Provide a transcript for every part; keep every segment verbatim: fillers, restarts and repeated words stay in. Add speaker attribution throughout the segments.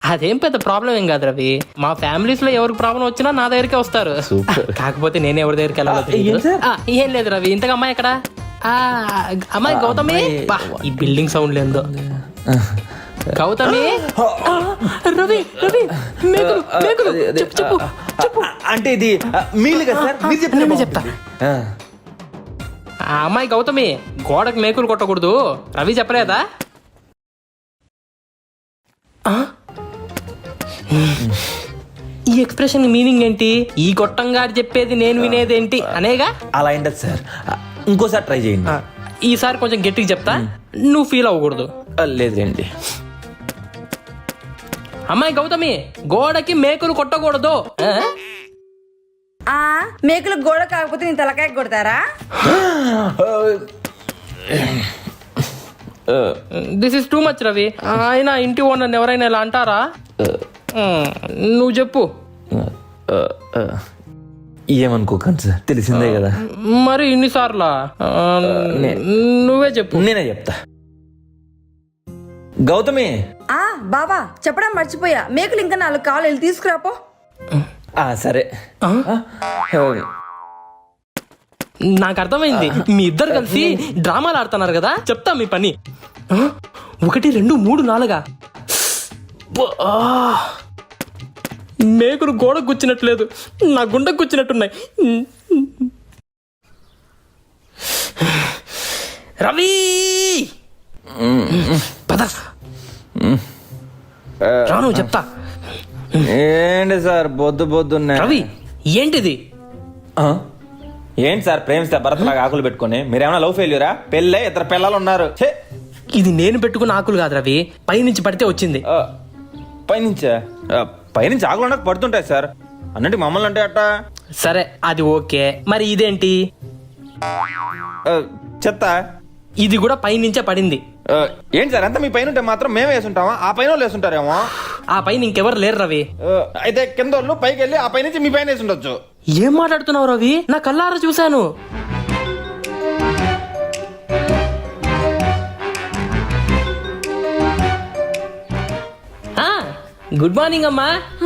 Speaker 1: అదేం పెద్ద ప్రాబ్లం ఏం కాదు రవి. మా ఫ్యామిలీస్ లో ఎవరికి ప్రాబ్లం వచ్చినా నా దగ్గరికే వస్తారు. కాకపోతే నేను ఎవరి దగ్గరికి వెళ్ళాలో తెలియదు. ఆ, ఏం లేదు రవి. ఇంతగా అమ్మాయి ఎక్కడ? ఆ, అమ్మాయి గౌతమి. బా, ఈ బిల్డింగ్ సౌండ్ లేదో. గౌతమి. రవి రవి మేకులు మేకులు చెప్పు చెప్పు చెప్పు.
Speaker 2: అంటే ఇది మీలు కదా సార్, మీరు చెప్పండి.
Speaker 1: నేను చెప్తా. ఆ అమ్మాయి గౌతమి, గోడకు మేకులు కొట్టకూడదు రవి చెప్పలేదా? ఈ ఎక్స్ప్రెషన్ మీనింగ్ ఏంటి? ఈ గొట్టంగా చెప్పేది నేను వినేదేంటి అనేగా?
Speaker 2: అలా ఏంటది సార్, ఇంకోసారి ట్రై చేయండి.
Speaker 1: ఈసారి కొంచెం గట్టిగా చెప్తా, నువ్వు ఫీల్ అవ్వకూడదు.
Speaker 2: లేదులేండి.
Speaker 1: అమ్మాయి గౌతమి, గోడకి మేకులు కొట్టకూడదు.
Speaker 3: ఆ మేకులు గోడ కాకపోతే నేను తలకాయ కొడతారా?
Speaker 1: This is too much Ravi. ఆయన ఇంటి ఓనర్ ఎవరైనా ఇలా అంటారా? నువ్వు చెప్పు.
Speaker 2: ఏమనుకోకండి సార్, తెలిసిందే కదా.
Speaker 1: మరి ఇన్నిసార్లా? నువ్వే చెప్పు.
Speaker 2: నేనే చెప్తా. గౌతమి.
Speaker 3: ఆ బాబా చెప్పడం మర్చిపోయా, మేకులు ఇంకా నాలుగు కావాలి, వెళ్ళి తీసుకురాపో.
Speaker 2: సరే.
Speaker 1: నాకు అర్థమైంది, మీ ఇద్దరు కలిసి డ్రామాలు ఆడుతున్నారు కదా. చెప్తా మీ పని. ఒకటి రెండు మూడు నాలుగా. మేకులు గోడకు గుచ్చినట్లేదు, నా గుండెకు గుచ్చినట్టున్నాయి. రవి పద రాను చెప్తా.
Speaker 2: ఏంటి సార్ బొద్దు బొద్దు
Speaker 1: రవి ఏంటిది?
Speaker 2: ఏంటి సార్ ప్రేమిస్తే భరత్లాగా ఆకులు పెట్టుకుని మీరేమైనా లవ్ ఫెయిల్యూరా? పెళ్ళే ఇద్దరు పిల్లలు ఉన్నారు.
Speaker 1: ఇది నేను పెట్టుకున్న ఆకులు కాదు రవి, పైనుంచి పడితే వచ్చింది.
Speaker 2: పైనుంచా? పైనుంచి ఆకులు ఉండక పడుతుంటాయి సార్, అన్నట్టు మమ్మల్ని అంటే అట్ట.
Speaker 1: సరే అది ఓకే, మరి ఇదేంటి?
Speaker 2: చెత్త.
Speaker 1: ఇది కూడా పైనుంచే పడింది.
Speaker 2: ఏంటి సార్, అంతా మీ పైన ఉంటే మాత్రం మేమే వేసుంటామా? ఆ పైన వాళ్ళు వేసుంటారేమో.
Speaker 1: ఆ పైన ఇంకెవరు లేరు రవి.
Speaker 2: అయితే కింద వాళ్ళు పైకి వెళ్ళి ఆ పై నుంచి మీ పైన వేసి ఉండొచ్చు.
Speaker 1: ఏం మాట్లాడుతున్నావు రవి? నా కళ్ళారా చూశాను. గుడ్ మార్నింగ్ అమ్మా.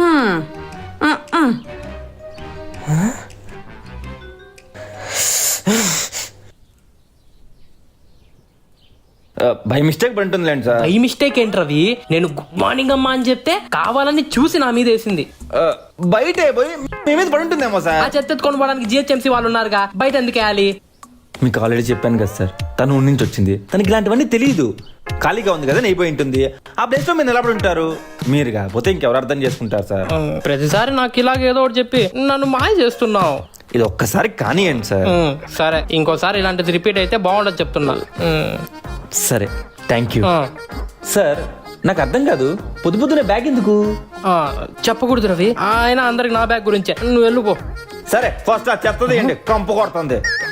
Speaker 2: బై మిస్టేక్ పడుతుందిలేండి సార్.
Speaker 1: బై మిస్టేక్ ఏంటి రవి? నేను గుడ్ మార్నింగ్ అమ్మా అని చెప్తే కావాలని చూసి నా మీద వేసింది.
Speaker 2: బయటే పోయి మీ మీద పడుంటుందేమో సార్.
Speaker 1: ఆ చెత్త ఎత్తుకొని పోవడానికి జిహెచ్ఎంసీ వాళ్ళు ఉన్నారుగా, బయట ఎందుకు వేయాలి?
Speaker 2: మీకు ఆల్రెడీ చెప్పాను కదా సార్, తను ఊరి నుంచి వచ్చింది, తనకి ఇలాంటివన్నీ తెలియదు. ఖాళీగా ఉంది కదా, నెయిపోయి ఉంటుంది. ఆ ప్లేస్ లో మీరు నిలబడి ఉంటారు. మీరు కాకపోతే ఇంకెవరు అర్థం చేసుకుంటారు సార్?
Speaker 1: ప్రతిసారి నాకు ఇలాగ ఏదో ఒకటి చెప్పి నన్ను మాయ చేస్తున్నావు.
Speaker 2: ఇది ఒక్కసారి కానివ్వండి సార్.
Speaker 1: సరే, ఇంకోసారి ఇలాంటిది రిపీట్ అయితే బాగుండదు చెప్తున్నా.
Speaker 2: సరే థ్యాంక్ యూ సార్. నాకు అర్థం కాదు, పొద్దు పొద్దునే బ్యాగ్ ఎందుకు?
Speaker 1: చెప్పకూడదు రవి, ఆయన అందరికి నా బ్యాగ్ గురించే. నువ్వు వెళ్ళిపో.
Speaker 2: సరే ఫస్ట్ ఆ చెత్తది ఏంటి, కంపు కొడుతుంది.